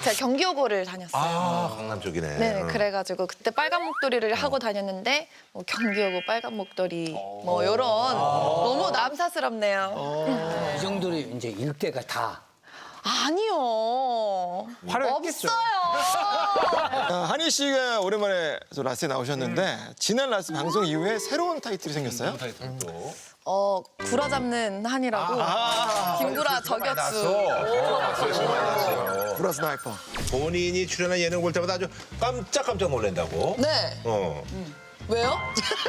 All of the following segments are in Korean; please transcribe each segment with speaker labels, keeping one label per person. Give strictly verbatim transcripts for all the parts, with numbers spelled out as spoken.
Speaker 1: 제가 경기여고를 다녔어요.
Speaker 2: 아, 강남 쪽이네.
Speaker 1: 네,
Speaker 2: 응.
Speaker 1: 그래가지고 그때 빨간 목도리를 하고 다녔는데 뭐 경기여고 빨간 목도리 뭐 이런 너무 남사스럽네요.
Speaker 3: 이 정도로 이제 일대가 다.
Speaker 1: 아니요.
Speaker 4: 화려했겠죠.
Speaker 1: 없어요.
Speaker 4: 아, 한희 씨가 오랜만에 저 라스에 나오셨는데 지난 라스 방송 이후에 새로운 타이틀이 생겼어요?
Speaker 2: 타이틀도.
Speaker 1: 어, 구라 잡는 한이라고 김구라 저격수.
Speaker 4: 구라 스나이퍼.
Speaker 2: 본인이 출연한 예능 볼 때마다 아주 깜짝깜짝 놀란다고.
Speaker 1: 네.
Speaker 2: 어.
Speaker 1: 왜요?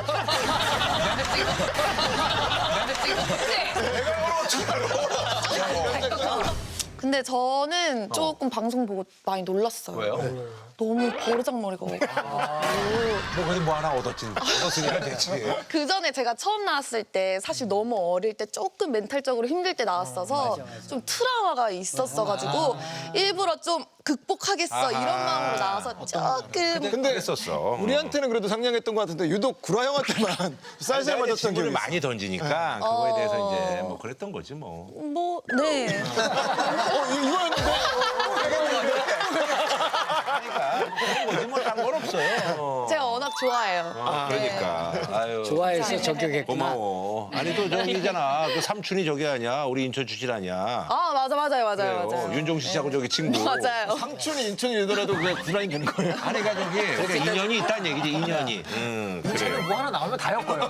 Speaker 1: 근데 저는 조금 방송 보고 많이 놀랐어요.
Speaker 2: 왜요?
Speaker 1: 너무 버르장머리가 오고.
Speaker 2: 뭐 그래도 뭐 하나 얻었지. 얻었으니까 됐지.
Speaker 1: 그 전에 제가 처음 나왔을 때 사실 너무 어릴 때 조금 멘탈적으로 힘들 때 나왔어서 좀 트라우마가 있었어가지고 일부러 좀 극복하겠어 이런 마음으로 나와서 조금
Speaker 4: 근데
Speaker 2: 했었어.
Speaker 4: 우리한테는 그래도 상냥했던 것 같은데 유독 구라 형한테만 쌀쌀 맞았던
Speaker 2: 친구를
Speaker 4: 기억이
Speaker 2: 많이
Speaker 4: 있어요.
Speaker 2: 던지니까 그거에 대해서 이제 뭐 그랬던 거지 뭐.
Speaker 1: 뭐 네.
Speaker 4: 어, 이- 이거였는데?
Speaker 2: 그런 거지 뭐 딴 건 없어요.
Speaker 1: 제가 워낙 좋아해요.
Speaker 2: 아, 그러니까. 아유.
Speaker 3: 좋아해서 저격했구나.
Speaker 2: 고마워. 아니 또 저기잖아. 그 삼촌이 저기 아니야. 우리 인천 출신 아니야.
Speaker 1: 아 맞아 맞아요 맞아요
Speaker 2: 그래요.
Speaker 1: 맞아요.
Speaker 2: 윤종신 씨하고 저기 친구.
Speaker 1: 맞아요.
Speaker 4: 상춘이 인천이더라도 그냥 구라인 되는 거예요.
Speaker 2: 아니 그러니까 저기 그러니까 인연이 있다는 얘기지 인연이. 응 그래요.
Speaker 5: 뭐 하나 나오면 다 엮어요.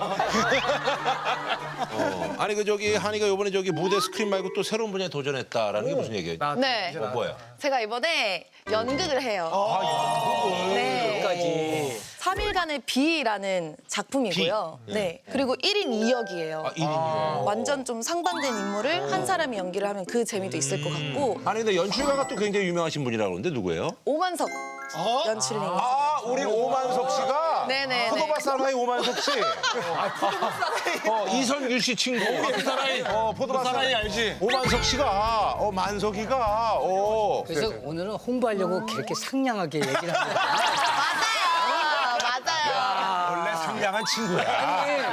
Speaker 2: 어. 아니 그 저기 한이가 이번에 저기 무대 스크린 말고 또 새로운 분야에 도전했다라는 게 무슨 얘기예요?
Speaker 1: 네.
Speaker 2: 어, 뭐야?
Speaker 1: 제가 이번에 연극을 해요.
Speaker 2: 아,
Speaker 1: 네.
Speaker 3: 까지.
Speaker 1: 삼 일간의 비라는 작품이고요. 네. 그리고 일 인 이 역이에요.
Speaker 2: 아, 일 인이요.
Speaker 1: 완전 좀 상반된 인물을 한 사람이 연기를 하면 그 재미도 있을 것 같고
Speaker 2: 아니 근데 연출가가 또 굉장히 유명하신 분이라고 그러는데 누구예요?
Speaker 1: 오만석 연출님.
Speaker 2: 아 우리 오만석 씨가
Speaker 1: 네네네.
Speaker 2: 포도밭사나이 오만석 씨. 어 이선규 씨 친구. 포도밭사나이. 어 포도밭사나이 알지? 오만석 씨가 어 만석이가 어.
Speaker 3: 그래서 오늘은 홍보하려고 그렇게 상냥하게 얘기를 하는 거야.
Speaker 1: 맞아요. 맞아요.
Speaker 2: 원래 상냥한 친구야.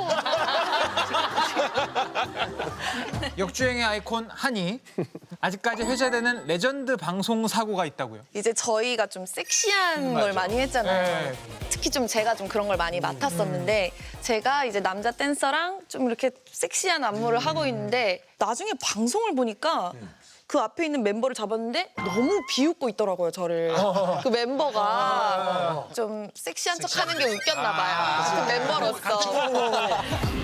Speaker 5: 역주행의 아이콘 한이. 아직까지 회자되는 레전드 방송 사고가 있다고요.
Speaker 1: 이제 저희가 좀 섹시한 걸 많이 했잖아요.
Speaker 5: 네.
Speaker 1: 특히 좀 제가 좀 그런 걸 많이 맡았었는데 제가 이제 남자 댄서랑 좀 이렇게 섹시한 안무를 하고 있는데 나중에 방송을 보니까 그 앞에 있는 멤버를 잡았는데 너무 비웃고 있더라고요, 저를. 그 멤버가 좀 섹시한 척 하는 게 웃겼나 봐요. 그 멤버로서.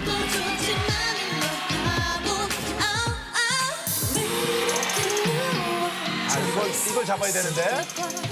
Speaker 2: 아 이걸 이걸 잡아야 되는데.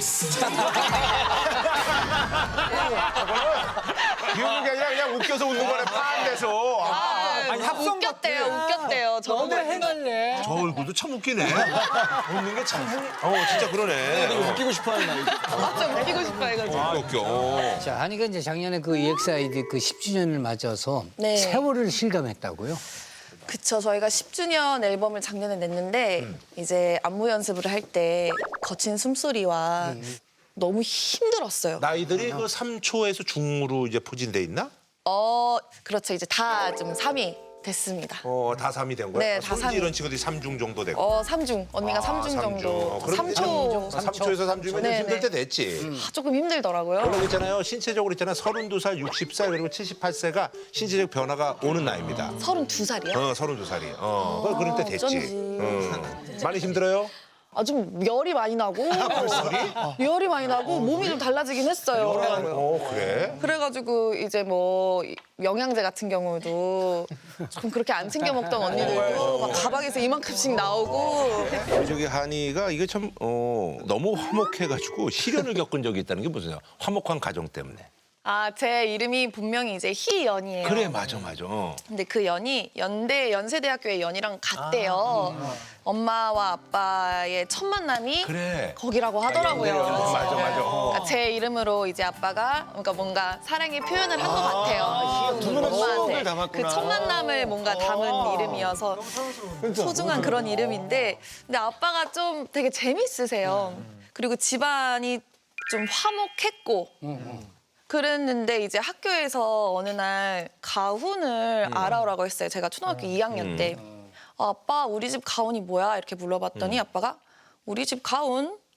Speaker 2: 비웃는 게 아니라 그냥 웃겨서 웃는 거네 판돼서.
Speaker 5: 아니, 합성
Speaker 1: 웃겼대요, 웃겼대요. 저
Speaker 3: 너무 해갈래.
Speaker 2: 저 얼굴도 참 웃기네. 웃는 게 참. 어 진짜 그러네.
Speaker 4: 웃기고 싶어하는 나이.
Speaker 1: 좀 웃기고 싶어요, 이거.
Speaker 2: 아, 웃겨.
Speaker 3: 자, 한이가 이제 작년에 그 이엑스아이디 그 십 주년을 맞아서
Speaker 1: 네.
Speaker 3: 세월을 실감했다고요.
Speaker 1: 그쵸. 저희가 십 주년 앨범을 작년에 냈는데 이제 안무 연습을 할 때 거친 숨소리와 너무 힘들었어요.
Speaker 2: 나이들이 그 삼 초에서 중으로 이제 포진돼 있나?
Speaker 1: 어, 그렇죠. 이제 다 좀 삼 위 됐습니다.
Speaker 2: 어, 다 삼이 된 거야?
Speaker 1: 네,
Speaker 2: 어,
Speaker 1: 다
Speaker 2: 손지
Speaker 1: 삼 위.
Speaker 2: 이런 친구들이 삼중 정도 되고.
Speaker 1: 어, 삼 중. 언니가
Speaker 2: 아,
Speaker 1: 삼 중
Speaker 2: 삼 중.
Speaker 1: 정도.
Speaker 2: 어, 그럼
Speaker 1: 삼 초.
Speaker 2: 삼 초에서 삼 중이면
Speaker 1: 네,
Speaker 2: 힘들
Speaker 1: 네.
Speaker 2: 때 됐지.
Speaker 1: 아, 조금 힘들더라고요.
Speaker 2: 그리고 있잖아요. 신체적으로 있잖아요. 서른두 살, 육십 살 그리고 칠십팔 세가 신체적 변화가 오는 나이입니다.
Speaker 1: 서른두 살이요?
Speaker 2: 어, 서른두 살이. 어, 그 그럴 때 됐지.
Speaker 1: 어쩐지.
Speaker 2: 어. 많이 힘들어요?
Speaker 1: 아, 좀 열이 많이 나고. 열이 많이 나고 몸이 좀 달라지긴 했어요.
Speaker 2: 어, 그래?
Speaker 1: 그래가지고 이제 뭐 영양제 같은 경우도 좀 그렇게 안 챙겨 먹던 언니들도 막 가방에서 이만큼씩 나오고
Speaker 2: 우리 저기 한이가 이게 참 어, 너무 화목해가지고 시련을 겪은 적이 있다는 게 무슨 화목한 가정 때문에.
Speaker 1: 아, 제 이름이 분명히 이제 희연이에요.
Speaker 2: 그래, 맞아, 맞아. 어.
Speaker 1: 근데 그 연이 연대 연세대학교의 연이랑 같대요. 엄마와 아빠의 첫 만남이
Speaker 2: 그래.
Speaker 1: 거기라고 하더라고요.
Speaker 2: 맞아, 맞아. 어.
Speaker 1: 그러니까 제 이름으로 이제 아빠가 그러니까 뭔가 사랑의 표현을 한 것 같아요.
Speaker 4: 두 분의 추억을 담았구나.
Speaker 1: 그 첫 만남을 뭔가 담은 이름이어서 소중한 그런 이름인데 근데 아빠가 좀 되게 재밌으세요. 그리고 집안이 좀 화목했고 그랬는데 이제 학교에서 어느 날 가훈을 알아오라고 했어요. 제가 초등학교 이 학년 때. 어, 아빠 우리 집 가훈이 뭐야? 이렇게 물어봤더니 아빠가 우리 집 가훈?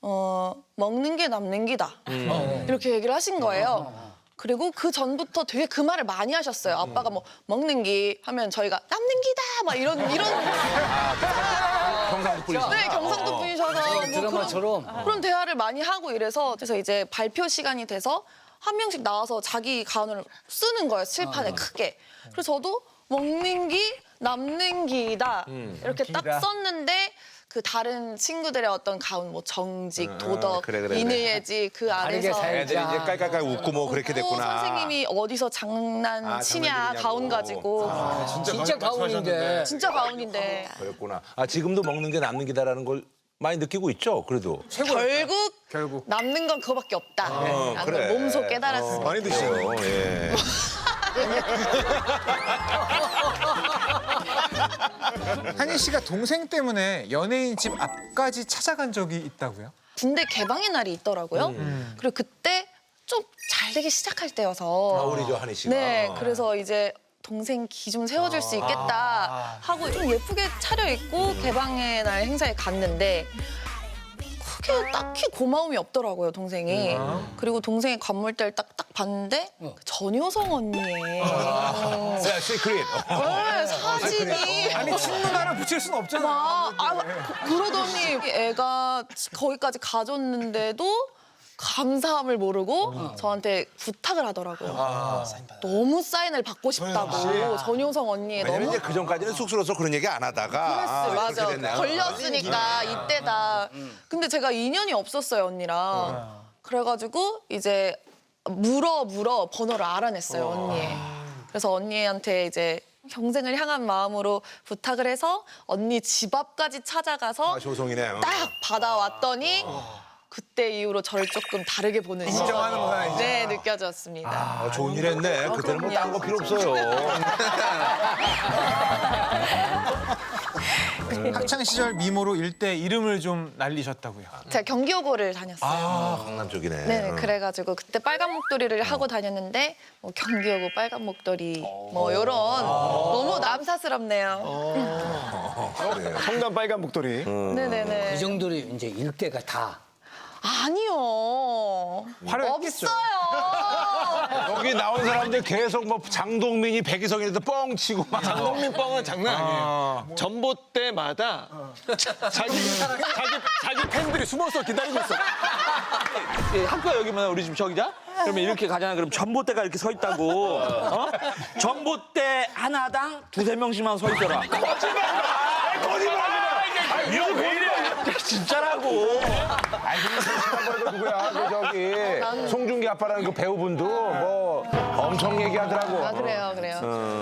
Speaker 1: 어, 먹는 게 남는 기다. 이렇게 얘기를 하신 거예요. 그리고 그 전부터 되게 그 말을 많이 하셨어요. 아빠가 뭐 먹는 기 하면 저희가 남는 기다 막 이런 이런
Speaker 2: 경상도 뿌리시.
Speaker 1: 네 경상도 분이셔서 뭐 그런,
Speaker 3: 드라마처럼.
Speaker 1: 그런 대화를 많이 하고 이래서 그래서 이제 발표 시간이 돼서 한 명씩 나와서 자기 가운을 쓰는 거예요. 칠판에 크게. 그래서 저도 먹는 기 남는 기다 이렇게 딱
Speaker 5: 기다.
Speaker 1: 썼는데 그 다른 친구들의 어떤 가운 뭐 정직, 도덕,
Speaker 2: 그래, 그래, 그래.
Speaker 1: 인의예지 그
Speaker 3: 다르게
Speaker 1: 안에서
Speaker 3: 살자.
Speaker 2: 애들이 이제 깔깔깔 웃고 뭐 그렇게
Speaker 1: 또
Speaker 2: 됐구나.
Speaker 1: 선생님이 어디서 장난치냐
Speaker 2: 아, 장난치냐고.
Speaker 1: 가운 가지고
Speaker 3: 진짜 가훈인데.
Speaker 1: 진짜 가운인데
Speaker 2: 그랬구나. 아 지금도 먹는 게 남는 기다라는 걸 많이 느끼고 있죠. 그래도.
Speaker 1: 결국,
Speaker 5: 결국.
Speaker 1: 남는 건 그거밖에 없다. 라는 걸
Speaker 2: 그래.
Speaker 1: 몸소 깨달았습니다.
Speaker 4: 많이 드시네요.
Speaker 2: 예.
Speaker 5: 한희 씨가 동생 때문에 연예인 집 앞까지 찾아간 적이 있다고요?
Speaker 1: 군대 개방의 날이 있더라고요. 그리고 그때 좀 잘 되기 시작할 때여서
Speaker 2: 가을이죠, 한희 씨가.
Speaker 1: 네, 그래서 이제 동생 기 좀 세워줄 수 있겠다 하고 좀 예쁘게 차려입고 개방의 날 행사에 갔는데 크게 딱히 고마움이 없더라고요, 동생이. 그리고 동생의 관물대를 딱, 딱 봤는데 전효성 언니의
Speaker 2: 자, 시크릿.
Speaker 1: 네, 사진이
Speaker 5: 아니 친누나를 붙일 수는 없잖아.
Speaker 1: 막, 아, 그- 그러더니 애가 거기까지 가줬는데도 감사함을 모르고 저한테 부탁을 하더라고요. 너무 사인을 받고 싶다고 전효성 언니의
Speaker 2: 왜냐면
Speaker 1: 너무
Speaker 2: 이제 그 전까지는 쑥스러워서 그런 얘기 안 하다가. 아,
Speaker 1: 그랬어요. 맞아.
Speaker 2: 그렇게 됐네.
Speaker 1: 걸렸으니까 이때다. 근데 제가 인연이 없었어요, 언니랑. 그래가지고 이제 물어 물어 번호를 알아냈어요, 언니의. 그래서 언니한테 이제 경생을 향한 마음으로 부탁을 해서 언니 집 앞까지 찾아가서
Speaker 2: 아, 조성이네.
Speaker 1: 딱 받아왔더니 그때 이후로 저를 조금 다르게 보는
Speaker 5: 인정하는구나,
Speaker 1: 시선. 네, 느껴졌습니다.
Speaker 2: 아, 좋은 일 했네. 그때는 뭐 딴 거 필요 없어요.
Speaker 5: 학창 시절 미모로 일대 이름을 좀 날리셨다고요.
Speaker 1: 제가 경기여고를 다녔어요.
Speaker 2: 아, 강남 쪽이네.
Speaker 1: 네,
Speaker 2: 응.
Speaker 1: 그래가지고 그때 빨간 목도리를 하고 다녔는데 뭐 경기여고 빨간 목도리 뭐 이런 너무 남사스럽네요.
Speaker 4: 성남 빨간 목도리.
Speaker 1: 네네네.
Speaker 3: 그 정도로 이제 일대가 다.
Speaker 1: 아니요.
Speaker 5: 화려했겠죠.
Speaker 1: 없어요.
Speaker 2: 여기 나온 사람들 계속 뭐 장동민이 백이성이라도 뻥 치고 막.
Speaker 4: 장동민 뻥은 장난 아니에요. 전봇대마다 자기 자기 자기 팬들이 숨어서 기다리고 있어.
Speaker 6: 예, 학교가 여기면 우리 집 저기자? 그러면 이렇게 가잖아. 그럼 전봇대가 이렇게 서 있다고. 어? 전봇대 하나당 두세 명씩만 서 있더라.
Speaker 2: 이거 왜 이래?
Speaker 6: 진짜라고.
Speaker 2: 아니, 근데 누구야? 그 저기 송중기 아빠라는 그 배우분도 뭐 엄청 얘기하더라고.
Speaker 1: 아 그래요, 그래요.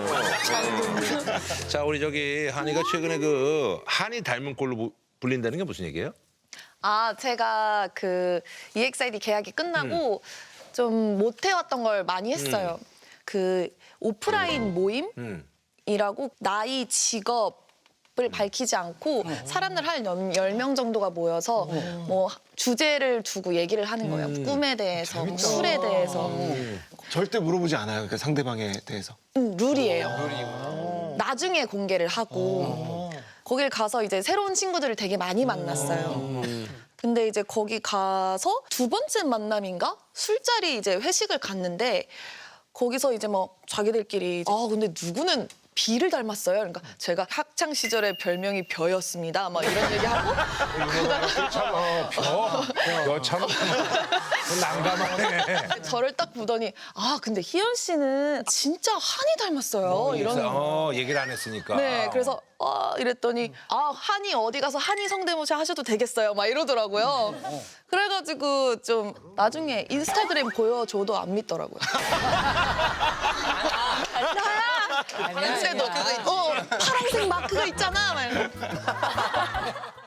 Speaker 2: 자, 우리 저기 한이가 최근에 그 한이 닮은 꼴로 부- 불린다는 게 무슨 얘기예요?
Speaker 1: 아 제가 그 이엑스아이디 계약이 끝나고 좀 못 해왔던 걸 많이 했어요. 그 오프라인 모임.
Speaker 2: 음.
Speaker 1: 이라고 나이, 직업을 밝히지 않고 사람들 한 열 명 정도가 모여서 뭐 주제를 두고 얘기를 하는 거예요. 꿈에 대해서, 뭐 술에 대해서.
Speaker 4: 절대 물어보지 않아요. 그 상대방에 대해서.
Speaker 1: 음, 룰이에요. 나중에 공개를 하고 거길 가서 이제 새로운 친구들을 되게 많이 만났어요. 근데 이제 거기 가서 두 번째 만남인가? 술자리 이제 회식을 갔는데 거기서 이제 뭐 자기들끼리 아 근데 누구는 비를 닮았어요. 그러니까 제가 학창 시절에 별명이 벼였습니다. 막 이런 얘기하고
Speaker 2: 참, 어, 어, 여참 난감하네.
Speaker 1: 저를 딱 보더니 아 근데 희연 씨는 진짜 한이 닮았어요. 이런
Speaker 2: 어, 얘기를 안 했으니까.
Speaker 1: 네, 그래서 아 이랬더니 아 한이 어디 가서 한이 성대모사 하셔도 되겠어요, 막 이러더라고요. 그래가지고 좀 나중에 인스타그램 보여줘도 안 믿더라고요. 나야. 그때도 어 파란색 마크가 있잖아. 막 이러고.